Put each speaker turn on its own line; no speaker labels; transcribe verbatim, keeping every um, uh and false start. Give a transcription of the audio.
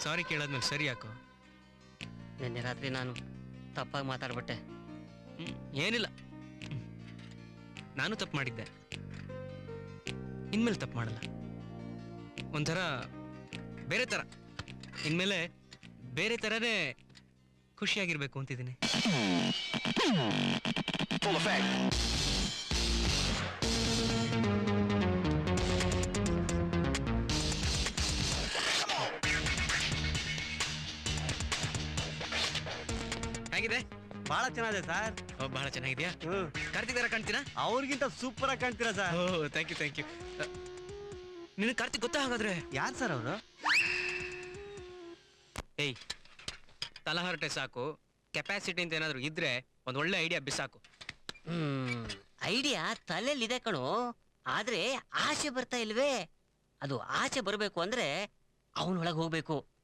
ಸಾರಿ ಕೇಳಾದ್ಮೇಲೆ ಸರಿ ಯಾಕೋ?
ನಿನ್ನೆ ರಾತ್ರಿ ನಾನು ತಪ್ಪಾಗಿ ಮಾತಾಡ್ಬಿಟ್ಟೆ.
ಏನಿಲ್ಲ, ನಾನು ತಪ್ಪು ಮಾಡಿದ್ದೆ, ಇನ್ಮೇಲೆ ತಪ್ಪು ಮಾಡಲ್ಲ. ಒಂಥರ ಬೇರೆ ಥರ, ಇನ್ಮೇಲೆ ಬೇರೆ ಥರನೇ ಖುಷಿಯಾಗಿರ್ಬೇಕು ಅಂತಿದ್ದೀನಿ. ಹೇಗಿದೆ?
ಬಹಳ ಚೆನ್ನಾಗಿದೆ ಸರ್.
ಬಹಳ ಚೆನ್ನಾಗಿದ್ಯಾ? ಕಾರ್ತಿಕ್ ತರ ಕಾಣ್ತೀರಾ?
ಅವ್ರಿಗಿಂತ ಸೂಪರ್ ಆಗಿ ಕಾಣ್ತೀರಾ sir.
Oh thank you thank you. ನಿನಗೆ ಕಾರ್ತಿಕ್ ಗೊತ್ತಾ ಹಾಗಾದ್ರೆ?
ಯಾರು ಸರ್ ಅವರು?
ಏಯ್, ತಲಹರಟೆ ಸಾಕು, ಕೆಪಾಸಿಟಿ ಅಂತ ಏನಾದ್ರು ಇದ್ರೆ ಒಂದ್ ಒಳ್ಳೆ ಐಡಿಯಾ ಬಿಸಾಕು.
ಹ್ಮ್ ಐಡಿಯಾ ತಲೆಯಲ್ಲಿದೆ ಕಣು, ಆದ್ರೆ ಆಸೆ ಬರ್ತಾ ಇಲ್ವೇ? ಅದು ಆಚೆ ಬರ್ಬೇಕು ಅಂದ್ರೆ ಅವನೊಳಗೆ ಹೋಗ್ಬೇಕು.